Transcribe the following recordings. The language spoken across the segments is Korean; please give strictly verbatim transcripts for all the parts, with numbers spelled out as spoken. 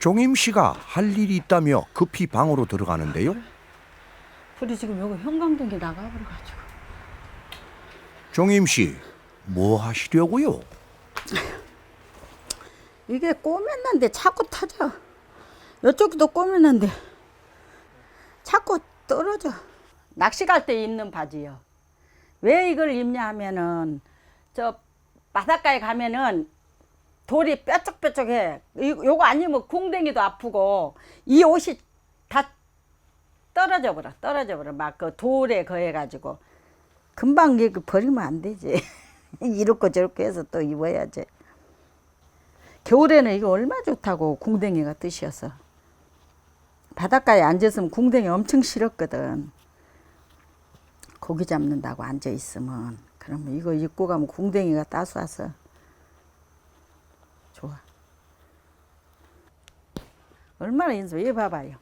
종임 씨가 할 일이 있다며 급히 방으로 들어가는데요. 불이 지금 여기 형광등이 나가버려가지고. 종임 씨, 뭐 하시려고요? 이게 꼬맸는데 자꾸 타져. 이쪽도 꼬맸는데 자꾸 떨어져. 낚시 갈 때 입는 바지요. 왜 이걸 입냐 하면은 저 바닷가에 가면은 돌이 뾰족뾰족해. 이- 요거 아니면 궁뎅이도 아프고 이 옷이 다 떨어져 버려. 떨어져 버려. 막 그 돌에 거해가지고 금방 이거 버리면 안 되지. 이렇고 저렇고 해서 또 입어야지. 겨울에는 이거 얼마 좋다고 궁뎅이가 뜻이어서. 바닷가에 앉았으면 궁뎅이 엄청 싫었거든. 고기 잡는다고 앉아 있으면. 그러면 이거 입고 가면 궁뎅이가 따스워서 좋아. 얼마나 인수 얘 봐봐요.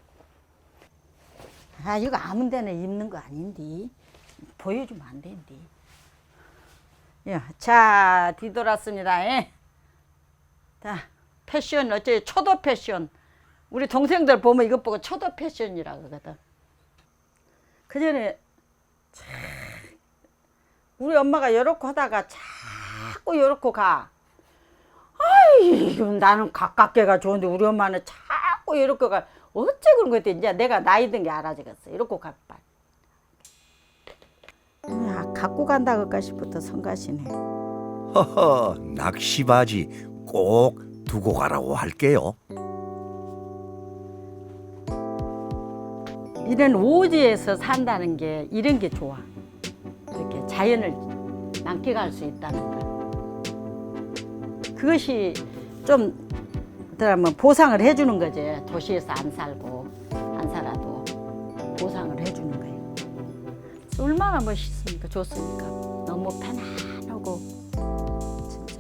아 이거 아무 데나 입는 거 아닌데 보여주면 안 된디. 야, 자 뒤돌았습니다. 예. 자 패션 어째 초도 패션. 우리 동생들 보면 이것 보고 초도 패션이라고 그러거든. 그 전에 참 우리 엄마가 이렇게 하다가 자꾸 이렇게 가. 아이 나는 가깝게가 좋은데 우리 엄마는 자꾸 이렇게 가. 어째 그런 거지? 이제 내가 나이 든 게 알아지겠어. 이렇게 가봐. 야, 갖고 간다 그까시부터 성가시네. 허허, 낚시 바지 꼭 두고 가라고 할게요. 이런 오지에서 산다는 게 이런 게 좋아. 이렇게 자연을 만끽할 수 있다는 거. 그것이 좀 그러면 보상을 해주는 거지. 도시에서 안 살고 안 살아도 보상을 해주는 거예요. 얼마나 멋있습니까? 좋습니까? 너무 편안하고 진짜.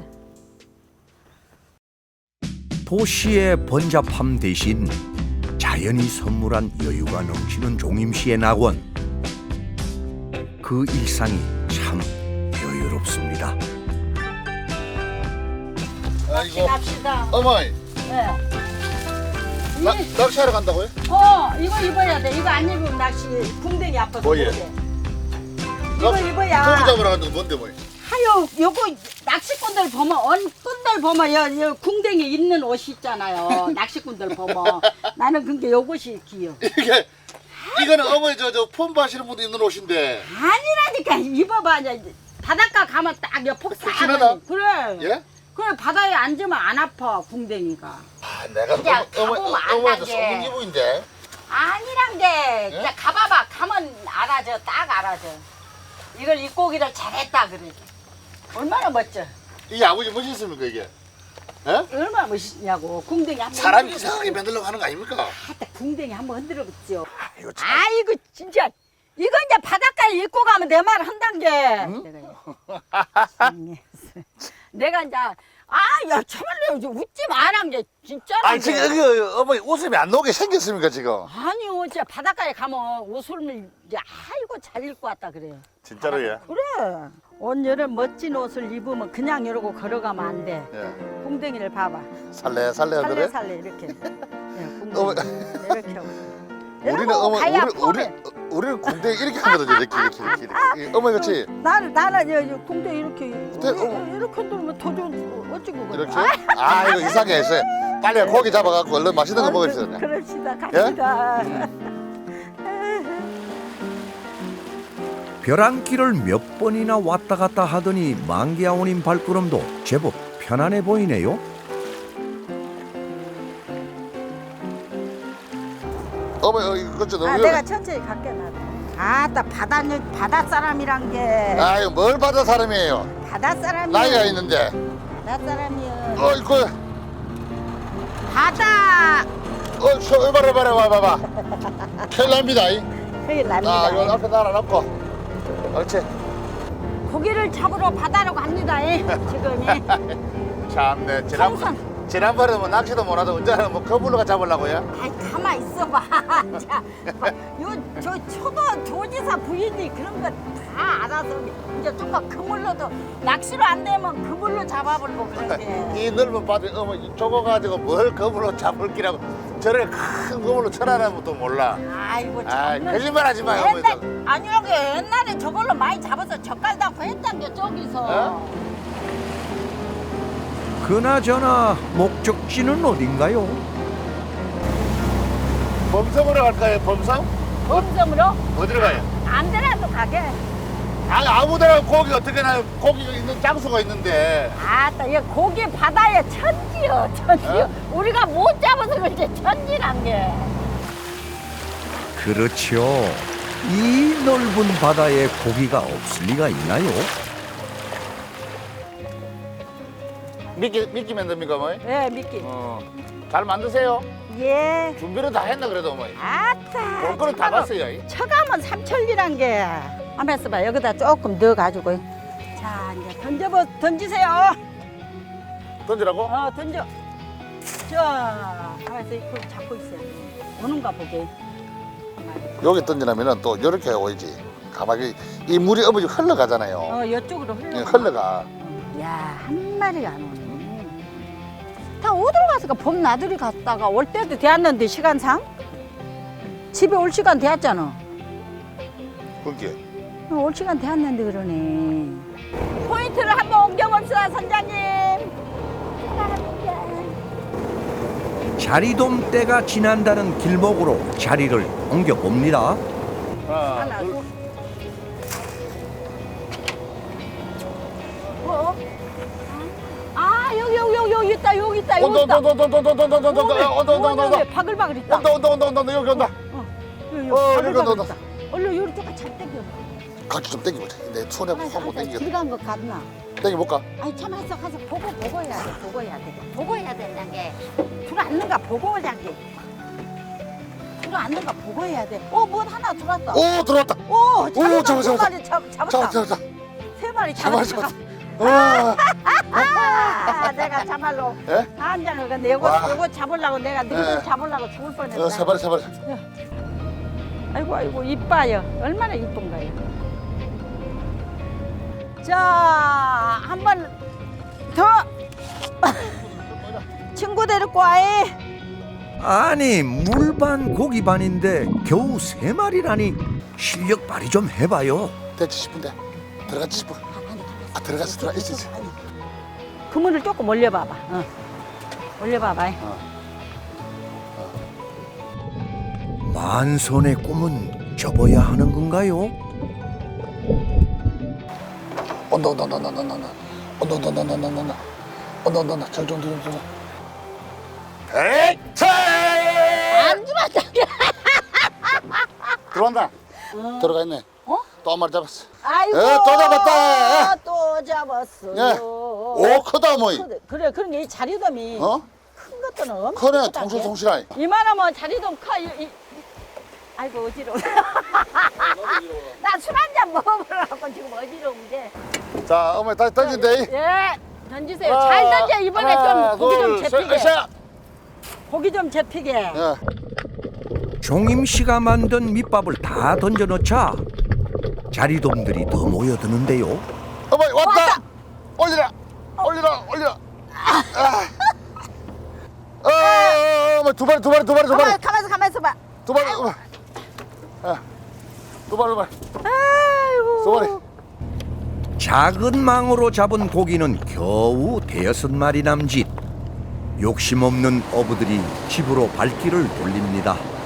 도시의 번잡함 대신 자연이 선물한 여유가 넘치는 종임 씨의 낙원. 그 일상이 참 여유롭습니다. 아이고 갑시다. 어머니 네. 나, 이- 낚시하러 간다고요? 어 이거 입어야 돼. 이거 안 입으면 낚시 궁뎅이 아파서 뭐예? 못해. 이거 고기 입어야. 잡으러 간다고 뭔데 뭐야? 하여 요거 낚시꾼들 보면 언꾼들 보면 여, 여 궁뎅이 있는 옷이 있잖아요. 낚시꾼들 보면 나는 그게 요것이 귀여워. 이게 이거는 어머니 저저 폼바 하시는 분도 입는 옷인데 아니라니까 입어봐. 이제 바닷가 가면 딱 옆폭 푹신하다. 그래. 예? 그래 바다에 앉으면 안 아파 궁뎅이가. 아 내가 그냥 어머, 가보면 어머니 어머니 저 안다게. 소문 기부인데 아니란 게 그냥 예? 가봐봐. 가면 알아져. 딱 알아져. 이걸 입고 오기를 잘했다 그래. 얼마나 멋져. 이게 아버지 멋있습니까 이게? 예? 얼마나 멋있냐고. 궁뎅이 한번 사람 흔들어 이상하게 만들려고 하는 거 아닙니까? 하다 궁뎅이 한번 흔들어 보죠. 아이고 참. 아이고 진짜 이거 이제 바닷가에 입고 가면 내 말 한단 게. 내가, 내가 이제 아야 참말로 웃지 마란 게 진짜로. 아니 지금 여기 어머니 웃음이 안 나오게 생겼습니까 지금? 아니요 진짜 바닷가에 가면 옷을 이제 아이고 잘 입고 왔다 그래요. 진짜로요? 그래. 온 여름 멋진 옷을 입으면 그냥 이러고 걸어가면 안 돼. 예. 궁뎅이를 봐봐. 살래 살래 살래 하더래? 살래 이렇게. 예, 어머. 궁뎅이 이렇게 하고. 우리는 이러고 어머 우리 가야 우리 폼에. 우리는 궁뎅이 이렇게 하거든요 이렇게 이렇게 이렇게, 이렇게. 어머니 같이 나는 나는 여, 여 궁뎅이 이렇게 네, 어. 이렇게 흔들면 더 좋은 어찌고 그래. 이렇게? 아 이거 이상해 있어요. 빨리 고기 잡아갖고 얼른 맛있는 거 먹읍시다. 그냥. 그럽시다 갑시다. 벼랑길을 몇 번이나 왔다 갔다 하더니 만기아오님 발걸음도 제법 편안해 보이네요. 어머니 어, 이거 좀 너무 아, 위험해. 내가 천천히 갈게 나도. 아따 바다 바다 사람이란 게 아유 뭘 받아 사람이에요. 바다 사람이 나이가 있는데. 바다 사람이요. 어 이거 바다 어저 이봐라 이봐라 와봐봐. 큰일 납니다. 이. 큰일 아 납니다. 이거 앞에 달아놓고. 그렇지. 고기를 잡으러 바다로 갑니다. 예. 지금이 참네 지난번 청산 지난번에 뭐 낚시도 못 하던 언제는 뭐 거불로가 잡으려고요? 아이 가만 있어봐. 자, 요저 초도 도지사 부인이 그런 거 다 알아서 이제 좀만 그물로도 낚시로 안 되면 그물로 잡아보려고 그러는데. 이 넓은 바다에 어머 저거 가지고 뭘 거불로 잡을 기라고 저를 큰 거불로 쳐라는 것도 몰라. 아이고 아 참. 거짓말하지 마요. 어머니. 옛날 아니라게 옛날에 저걸로 많이 잡아서 젓갈 담고 했단 게 저기서. 어? 그나저나 목적지는 어딘가요? 범섬으로 갈까요? 범섬? 범섬으로 어디로 가요? 안 되라도 가게. 아니 아무데나 고기 어떻게 나요? 고기가 있는 장소가 있는데. 아따 얘 고기 바다에 천지요 천지요. 우리가 못 잡아서 그렇지 천지란 게. 그렇죠. 이 넓은 바다에 고기가 없을 리가 있나요? 미끼 미끼 만듭니까 어머니? 예 미끼. 어. 잘 만드세요. 예. 준비를 다 했나 그래도 어머니. 아따. 볼 거는 다 봤어요. 이. 처가면 삼천리란 게. 한번 써봐 여기다 조금 넣어가지고. 자 이제 던져보 던지세요. 던지라고? 어 던져. 자 가만있어 이거 잡고 있어요. 오는가 보게. 여기 던지려면은 또 이렇게 오이지. 가만히 이 물이 어머니 흘러가잖아요. 어 이쪽으로 흘러. 예, 흘러가. 야한 마리가 안 오네. 다 어디로 갔을까? 봄 나들이 갔다가 올 때도 되었는데 시간상 집에 올 시간 되었잖아. 그게. 어, 올 시간 되었는데 그러네. 포인트를 한번 옮겨봅시다 선장님. 자리돔 때가 지난다는 길목으로 자리를 옮겨봅니다. 하나, 하나, 둘. 둘. 어? 아 여기 여기 여기 여기 있다 여기 있다 여기 온다 있다. 온다 온다 온다 온다 온다 온다 온다 온다 온다 온다 온다 바글바글 있다. 온다 온다 온다 온다 여기 온다. 여기 어, 여기 바글바글 온다, 있다. 얼른 요리 조금 잘 땡겨. 같이 좀 땡겨보자. 내 손에 확못 땡겨. 길간 거 같나? 땡겨볼까? 아니 참 가서 가서 보고 보고 해야 돼 보고 해야 돼 보고 해야 된다는 게 들어앉는가 보고 하자기 들어앉는가 보고 해야 돼어뭐 하나 들어왔다 오 들어왔다. 오 오, 잡았다 잡았어, 세 잡았어. 마리 잡, 잡았다 잡았다 잡았다. 세 마리 잡았어 잡았다 잡았어. 아 내가 참말로 예? 한 잔을 근데 요거 와. 요거 잡으려고 내가 너희들 예. 잡으려고 죽을 뻔했다 어, 세 마리 세 마리. 아이고 아이고 이뻐요 얼마나 이쁜가요 자 한 번 더 친구 데리고 와이 아니 물반 고기반인데 겨우 세 마리라니 실력 발휘 좀 해봐요. 됐지 싶은데 들어갔지 싶어. 아 들어갔어 들어가 있어 있어. 그물을 조금 올려봐봐 어. 올려봐봐 만선의 꿈은 접어야 하는 건가요? 온다 온다 온다 온다 온다 온다 온다 온다 온다 온다 온다 온다 온다 온다 온다 저기 온다 온다 온다. 에이 차! 안 죽었다 들어온다. 어. 들어가 있네. 어? 또 한 마리 잡았어. 아이고 에, 또 잡았다. 또 잡았어 예. 오 크다 뭐이. 그래 그런 게 이 자리돔이 어? 큰 것들은 엄청 크네 크다, 통실통실하니. 이게. 이만하면 자리돔 커 이, 이. 아이고 어지러워 나 술 한 잔 먹어보려고 지금 어지러운데 자 어머니 다시 던진대. 예 던지세요 잘 던져 이번에 좀 고기 좀 잡히게 고기 좀 잡히게 예. 종임 씨가 만든 밑밥을 다 던져 넣자 자리돔들이 더 모여드는데요. 어머니 왔다. 왔다. 올리라. 올리라. 올리라. 아. 어, 어, 어머니 두 마리 두 마리 두 마리 두 마리 가만 가만있어 가만있어 봐 두 마리. 어머니. 아. 두 마리 두 마리 아이고 두 마리. 작은 망으로 잡은 고기는 겨우 대여섯 마리 남짓. 욕심 없는 어부들이 집으로 발길을 돌립니다.